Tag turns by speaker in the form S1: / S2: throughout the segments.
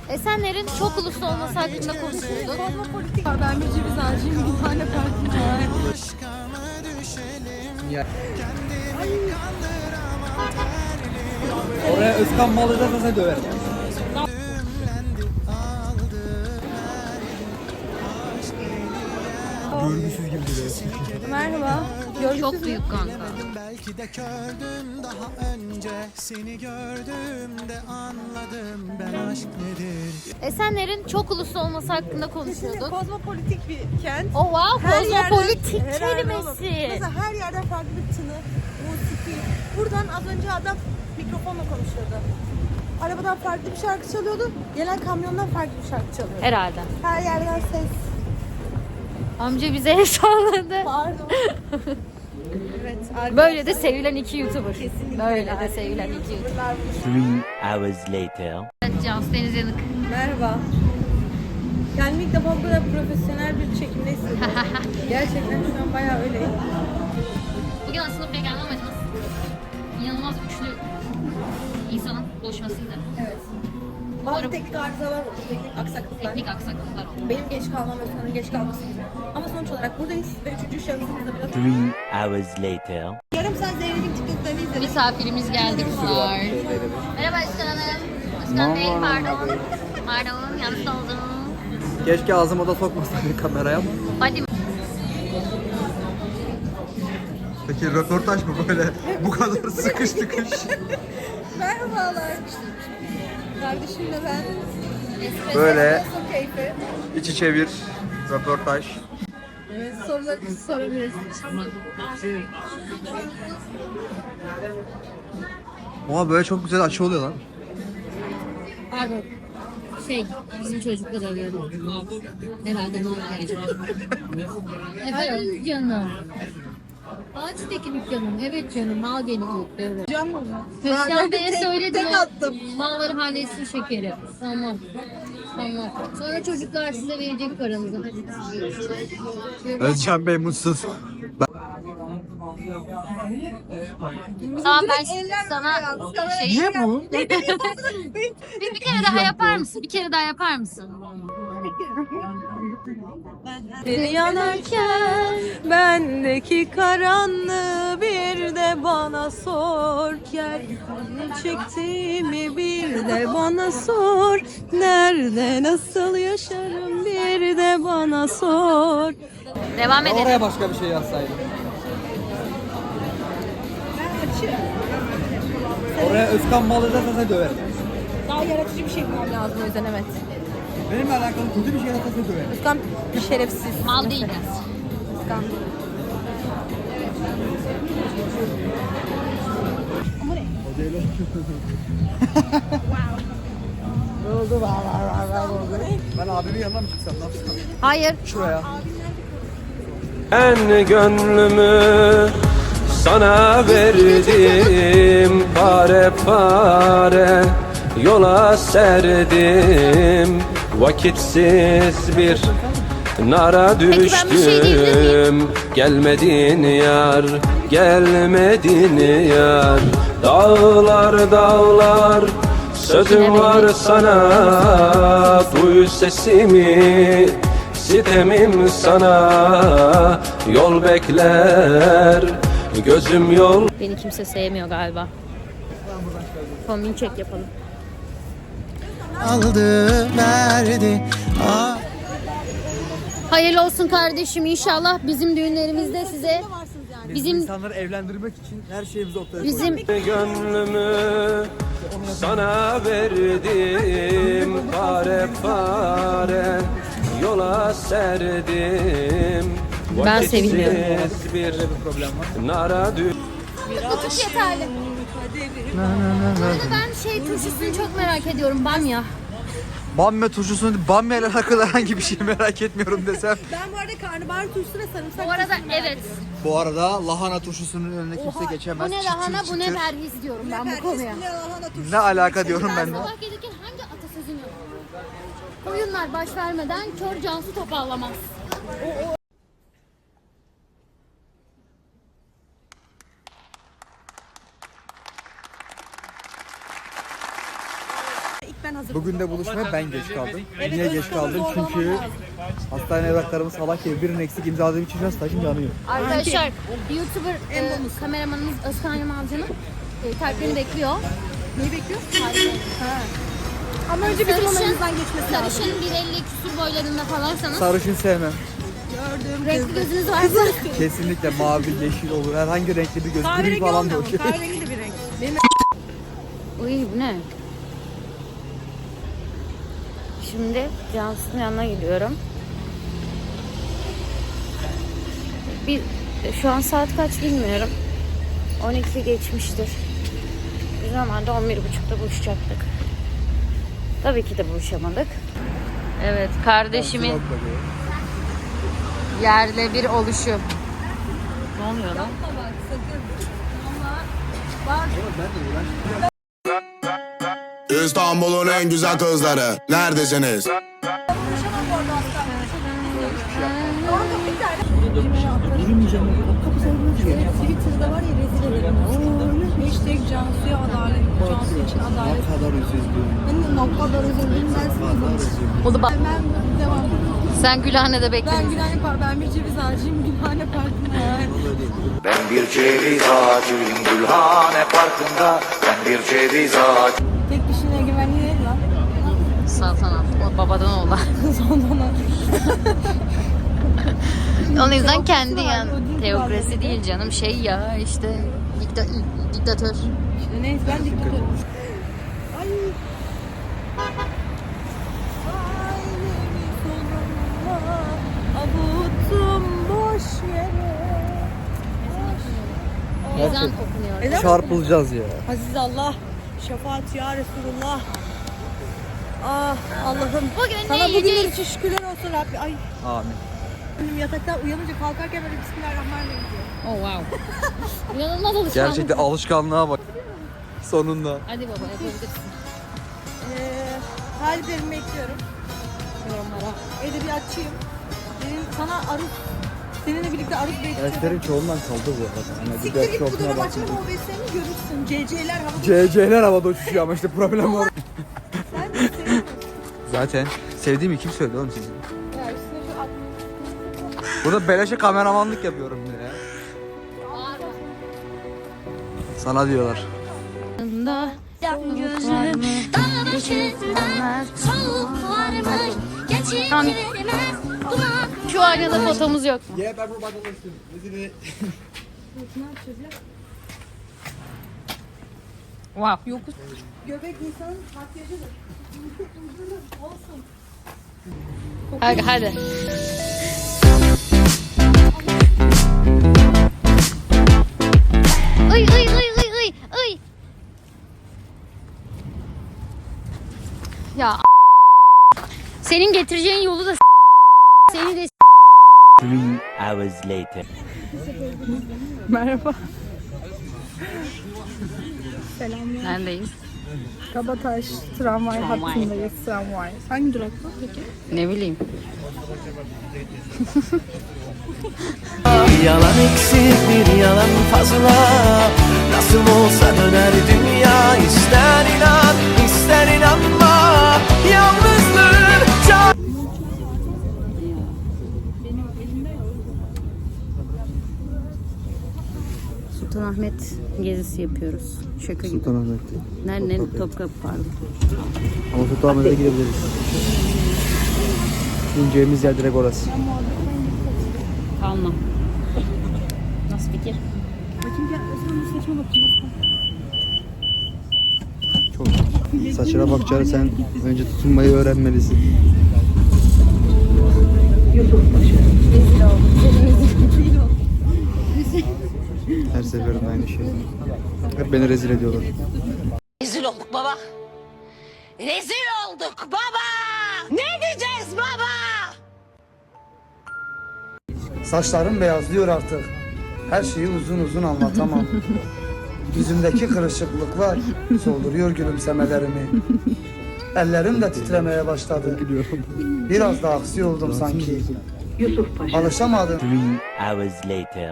S1: Esenler'in çok uluslu olması hakkında konuşuyorduk.
S2: Kozmopolitik var. Ben bir ceviz ağacıyım. Bir tane partim var.
S3: Oraya Özkan Malı'da nasıl döver? Görgüsüz gibi duruyor.
S2: Merhaba.
S1: Çok büyük kanka.
S4: Belki de gördüm daha önce seni gördüğümde anladım ben aşk nedir.
S1: Esenler'in çok uluslu olması hakkında konuşuyorduk.
S2: Kozmopolitik bir kent.
S1: Oh wow,
S2: Her yerden-
S1: kozmopolitik
S2: herhalde oğlum.
S1: kelimesi.
S2: Mesela her yerden farklı bir tını, musiki. Buradan az önce adam mikrofonla konuşuyordu. Arabadan farklı bir şarkı çalıyordu. Gelen kamyondan farklı bir şarkı çalıyordu.
S1: Herhalde.
S2: Her yerden ses.
S1: Amca bize el salladı.
S2: Pardon. Evet.
S1: Böyle de sevilen iki YouTuber.
S2: Kesinlikle.
S1: Böyle de sevilen iki YouTuber.
S5: 3 hours later.
S1: Evet, Cansu Deniz Yanık.
S2: Merhaba. Kendimi ilk defa bu kadar profesyonel bir çekimde hissediyorum. Gerçekten şu an bayağı öyleyim.
S1: Bugün aslında buraya gelme amacımız inanılmaz güçlü insanın buluşmasıydı.
S2: Evet. Bazı teknik arızalar oldu, teknik aksaklıklar.
S1: Teknik aksaklıklar oldu.
S2: Benim geç kalmam ve Özkan'ın geç kalması gibi. Ama sonuç olarak buradayız ve üçüncü şahısımızda biraz...
S5: 3 hours later.
S2: Yarım saat Zeynep'in TikTok'larını izledim.
S1: Misafirimiz geldi kızlar. Merhaba Özkan Hanım. Özkan Bey pardon. Pardon yanlış oldum.
S3: Keşke ağzıma da sokmasaydı kameraya ama.
S1: Hadi.
S3: Peki röportaj mı böyle bu kadar sıkış tıkış?
S2: Merhabalar. Kardeşimle ben.
S3: Böyle
S2: Nasıl keyfi?
S3: iç içe bir röportaj.
S2: Evet, sorularınızı sorabiliriz.
S3: Oha böyle çok güzel açı oluyor lan.
S1: Pardon. Bizim çocuklar arıyordu. Herhalde ne olacak? Efendim canım. Ağaçtaki dükkanım. Evet canım. Mal geliyor. Evet.
S2: Can mı?
S1: Özkan Bey'e söyledim.
S2: Tek attım.
S1: Malları halletsin şekeri. Tamam. Tamam. Sonra çocuklar size verecek paranızı. Hadi.
S3: Özcan Bey mutsuz.
S1: Tamam ben sana şey...
S3: Niye bu?
S1: Bir kere daha yapar mısın? Bir kere daha yapar mısın?
S2: Beni yanarken bendeki karanlığı bir de bana sor. Gel ne çektiğimi bir de bana sor. Nerede nasıl yaşarım bir de bana sor.
S1: Devam edelim.
S3: Oraya başka bir şey yazsaydım. Oraya Özkan Malı'da nasıl döver?
S2: Daha yaratıcı bir şey bulmam lazım o yüzden evet.
S3: Benimle alakalı kötü bir şey nasıl döver?
S2: Özkan bir şerefsiz.
S1: Mal değiliz.
S2: Özkan.
S3: Ben abimin yanına mı çıksam? Ne yapsam?
S1: Hayır.
S3: Şuraya.
S6: Ben gönlümü sana verdim, pare pare yola serdim. Vakitsiz bir nara
S1: Peki ben bir şey diyebilir miyim?
S6: düştüm. Gelmedin yar, gelmedin yar. Dağlar dağlar sözüm var sana. Duy sesimi, sitemim sana. Yol bekler, gözüm yol.
S1: Beni kimse sevmiyor galiba. Kombin çek yapalım.
S4: Aldı verdi.
S1: Hayırlı olsun kardeşim inşallah bizim düğünlerimizde size bizim
S3: insanları evlendirmek için her şeyimizi ortaya
S1: bizim
S6: Gönlümü sana verdim, pare pare yola serdim.
S1: Ben sevinmiyorum.
S6: Vakitsiz bir nara düştüm.
S1: tutuş yeterli. Ben turşusunu çok merak ediyorum bamya.
S3: Bamya turşusunu, Bamya ile alakalı herhangi bir şey merak etmiyorum desem.
S2: Ben bu arada karnabahar turşusu ve sarımsak
S1: Bu arada
S2: turşusunu merak
S1: evet.
S2: ediyorum.
S3: Bu arada lahana turşusunun önüne kimse
S2: Oha,
S3: geçemez.
S1: Bu ne
S3: Çıtır
S1: lahana bu ne
S3: çıtır.
S1: perhiz diyorum ben bu konuya.
S2: Ne lahana turşusu.
S3: Ne alaka diyorum ben de.
S1: Sabah gelirken hangi atasözünü? Koyunlar baş vermeden kör cansu topallamaz.
S2: İlk ben hazır.
S3: bugün de buluşmaya ben geç kaldım.
S2: Evet,
S3: Niye geç
S2: Özkan'ı
S3: kaldım?
S2: zorlamam
S3: Çünkü
S2: lazım.
S3: hastane evraklarımı salak gibi birinin eksik imzaladığım için biraz taşım yanıyor.
S1: Arkadaşlar YouTuber kameramanımız Özkan Yamalcı'nın tariflerini bekliyor.
S2: Neyi bekliyor?
S1: Tariflerini.
S2: Ama önce bizim onun elimizden geçmesi lazım.
S1: Sarışın 1.50 küsur boylarında falansanız
S3: Sarışın sevmem.
S2: Gördüm.
S1: renkli gözünüz varsa
S3: Kesinlikle mavi, yeşil olur. Herhangi renkli bir göz. Gri
S2: Kahverengi
S3: falan da
S2: olmuyor mu?
S3: okey.
S2: Kahverengi de bir renk. Benim
S1: Uy bu ne? Şimdi Cansu'nun yanına gidiyorum. Şu an saat kaç bilmiyorum. 12 geçmiştir. Biz normalde 11.30'da buluşacaktık. Tabii ki de buluşamadık. Evet, kardeşimin yerle bir oluşu. Ne oluyor lan?
S7: İstanbul'un en güzel kızları neredesiniz?
S2: Twitter'da var ya rezil ederim. Hashtag Cansu'ya adalet. Cansu için adalet.
S3: Ne kadar üzüldüm.
S2: Ben ne kadar üzüldüm dersin.
S1: O da
S2: Ben devam ediyorum.
S1: sen Gülhane'de bekle.
S2: Ben Gülhane Park, ben bir ceviz ağacıyım Gülhane Parkı'nda yani.
S8: Ben bir ceviz ağacıyım Gülhane Parkı'nda. Ben bir ceviz ağacı.
S2: Tek kişinin egemenliği değil lan.
S1: Saltanat. O babadan oğlan.
S2: Sondan
S1: Onun yüzden kendi
S2: var,
S1: yani.
S2: o değil
S1: Teokrasi
S2: zaten.
S1: değil canım. Şey ya işte diktatör.
S2: İşte neyse ben diktatörüm. Ay. Ailemi sonunda avuttum boş yere.
S1: Ezan okunuyor.
S2: Ezan
S3: Çarpılacağız ya.
S2: Aziz Allah, şefaat ya Resulullah. Ah Allah'ım.
S1: Bugün
S2: Sana
S1: ne
S2: bugünler
S1: yiyeceğiz?
S2: için şükürler olsun Rabbi. Ay
S3: Amin.
S2: benim yataktan uyanınca kalkarken böyle Bismillahirrahmanirrahim diyor.
S1: Oh wow. İnanılmaz alışkanlık.
S3: Gerçekten alışkanlığa bak. Sonunda.
S1: Hadi baba yapabilirsin.
S2: Taliplerimi bekliyorum. Yorumlara. Edebiyatçıyım. Benim sana aruz, seninle birlikte aruz bekleyeceğim.
S3: Derslerin çoğundan kaldı bu arada. Yani
S2: Siktir git bu
S3: çoğunluğuna
S2: dönem
S3: bakma.
S2: açma OBS'ini görürsün. CC'ler havada.
S3: CC'ler havada uçuşuyor ama işte problem var.
S2: Sen de seviyorsun.
S3: Zaten sevdiğimi kim söyledi oğlum sizin?
S2: Ya üstüne şu at.
S3: Burada beleşe kameramanlık yapıyorum ya. Sana diyorlar.
S1: Şu aynada fotomuz yok mu?
S3: Yeah, ben bu badalısın.
S1: Wow.
S2: Göbek insanın makyajıdır. Olsun.
S1: Hadi. Ay. Ya senin getireceğin yolu da seni de
S5: 3 hours later.
S2: Merhaba.
S1: neredeyiz?
S2: Kabataş tramvay hattındayız tramvay. Hangi durakta peki?
S1: Ne bileyim.
S8: Bir yalan eksik bir yalan fazla. Nasıl olsa döner dünya. İster inan ister inanma. Yalnızlığın çok.
S1: Sultanahmet gezisi yapıyoruz. Şaka gibi.
S3: Sultanahmet'te.
S1: Nerede? Topkapı pardon.
S3: Ama Sultanahmet'e gidebiliriz. İneceğimiz yer direkt orası.
S1: Kalma. Nasıl fikir?
S3: Çok. Saçına bakacağını sen önce tutunmayı öğrenmelisin. Her seferinde aynı şey. Hep beni rezil ediyorlar.
S9: Rezil olduk baba. Rezil olduk baba. Ne diyeceğiz baba?
S10: Saçlarım beyazlıyor artık. Her şeyi uzun uzun anlatamam. Yüzümdeki kırışıklıklar solduruyor gülümsemelerimi. Ellerim de titremeye başladı. Biraz da aksi oldum sanki. Alışamadım.
S5: 3 hours later.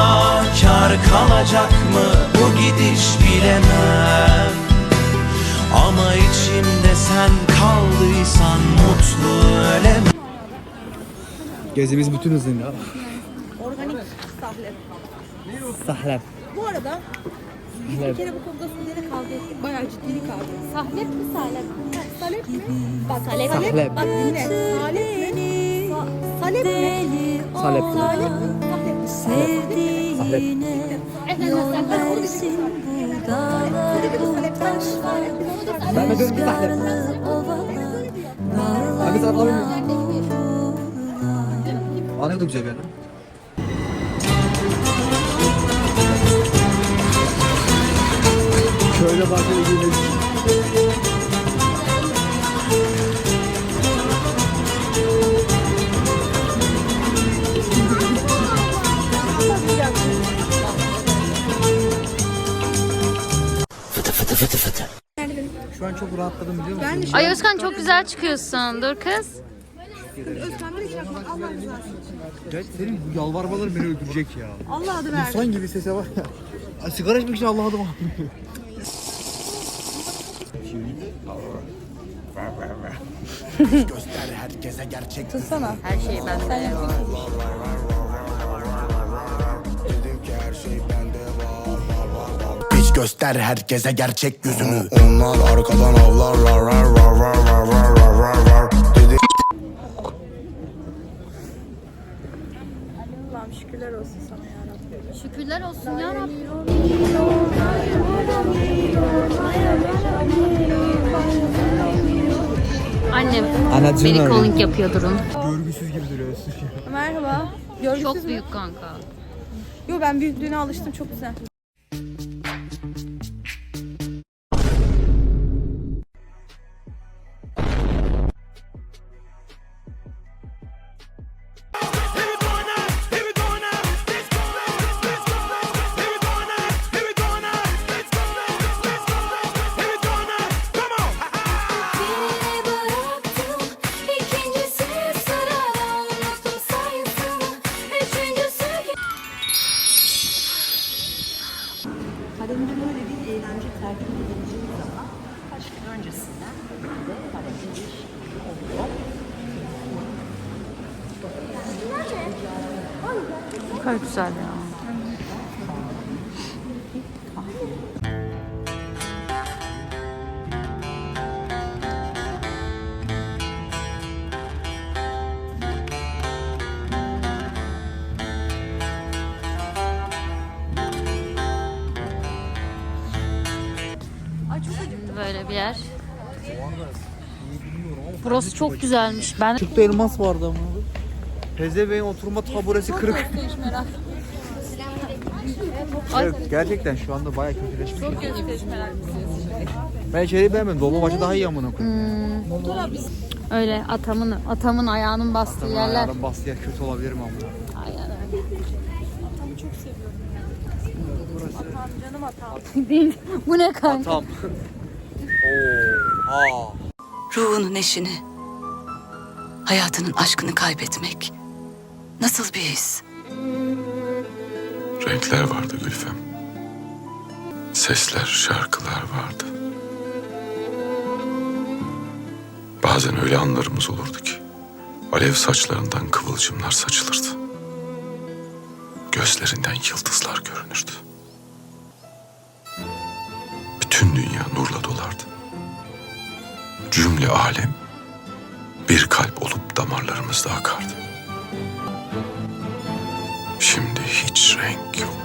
S8: Kar kalacak mı bu gidiş bilemem.
S4: Ama içimde sen kaldıysan mutlu ölemem.
S3: Gezimiz bütün hızıyla.
S2: Organik sahlep.
S3: Sahlep.
S2: Bu arada biz bir kere bu konuda Sude'yle kavga ettik. Bayağı ciddi bir kavga. Sahlep mi salep mi? Salep mi? Bak salep.
S3: Sahlep.
S2: Bak dinle. Salep mi? Salep mi?
S3: Salep.
S2: Salep mi? Sahlep mi?
S3: Ben de diyorum ki sahlep. Abi sen alamıyorum. Anladım güzel yani. Şöyle bahçeli gidelim. Şu an çok rahatladım biliyor musun?
S1: Ay Özkan çok güzel çıkıyorsun. Dur kız.
S3: Evet, senin bu yalvarmaların beni öldürecek ya.
S2: Allah adı ver.
S3: İnsan gibi sese var ya. Ay, sigara içmek için Allah adım
S4: Göster herkese gerçek
S2: Tutsana.
S1: Her şey bende.
S4: Hiç göster herkese gerçek yüzünü.
S7: Onlar arkadan avlarlar. Rar rar rar rar rar rar rar rar. Dedi
S2: Allah'ım şükürler olsun sana yarabbim.
S1: Şükürler olsun ya Rabbim. Annem
S3: Anacığım
S1: beni
S3: öyle.
S1: calling yapıyor durun.
S3: Görgüsüz gibi duruyorsun.
S2: Merhaba. Görgüsüz
S1: Çok
S2: mü?
S1: büyük kanka.
S2: Yo ben büyüklüğüne alıştım çok güzel. Kadında böyle bir eğlence tercih edileceği zaman kaç gün öncesinden de hareketli oluyor.
S1: Ne kadar güzel ya. Böyle bir yer. Burası çok güzelmiş. Ben
S3: Çıktı elmas vardı ama. Pezeveğin oturma taburesi kırık. Evet, gerçekten şu anda bayağı kötüleşmiş. Çok Ben içeriği beğenmedim. Dolma başı daha iyi amına koyayım.
S1: öyle atamın ayağının bastığı yerler.
S3: Ayağım bastı yer kötü olabilir mi amına?
S1: Aynen öyle.
S2: Atamı çok seviyorum. Atam canım atam.
S1: Değil. Bu ne kanka?
S3: Tam. Oo.
S9: Ruhunun eşini, hayatının aşkını kaybetmek nasıl bir his?
S6: Renkler vardı Gülfem. Sesler, şarkılar vardı. Bazen öyle anlarımız olurdu ki alev saçlarından kıvılcımlar saçılırdı. Gözlerinden yıldızlar görünürdü. Bütün dünya nurla dolardı. Cümle alem bir kalp olup damarlarımızda akardı. Şimdi hiç renk yok.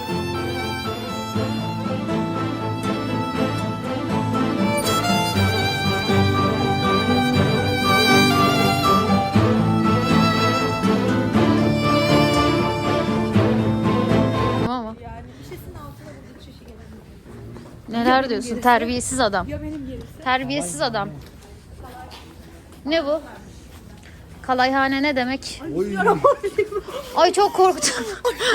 S1: Tamam mı? Neler diyorsun? Terbiyesiz adam. Terbiyesiz adam. Ne bu? Kalayhane ne demek? Ay çok korktum.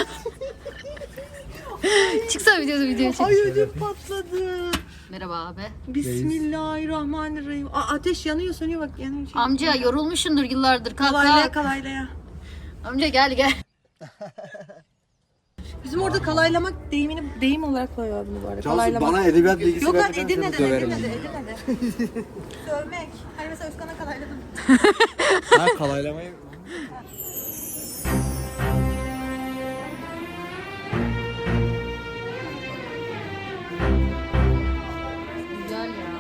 S1: Çıksana video çek.
S2: Ay ödüm patladı.
S1: Merhaba abi.
S2: Bismillahirrahmanirrahim. Ateş yanıyor sönüyor bak yanıyor.
S1: Amca yorulmuşsundur yıllardır. Kalk
S2: Kalaylaya
S1: kalk.
S2: kalaylaya.
S1: Amca gel.
S2: Bizim orada kalaylamak deyim olarak koyuyor bunu bu arada. Kalaylamak.
S3: Bana edebiyat bilgisi
S2: Yok lan
S3: vermeden
S2: Edirne'de,
S3: seni döverim.
S2: Edirne'de. Sövmek. Hani mesela Özkan'a kalayladım.
S3: Ha kalaylamayı...
S1: Güzel ya.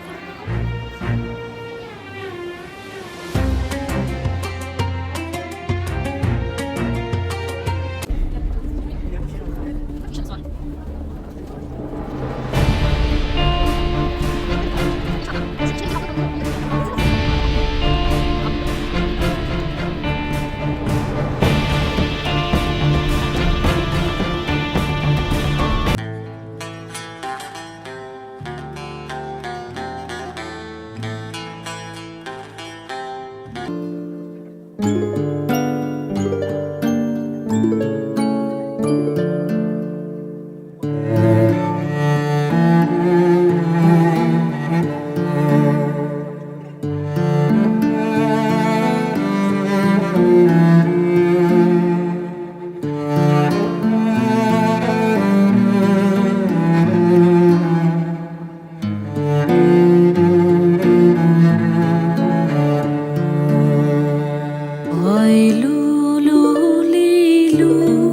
S9: Ay lulu lilu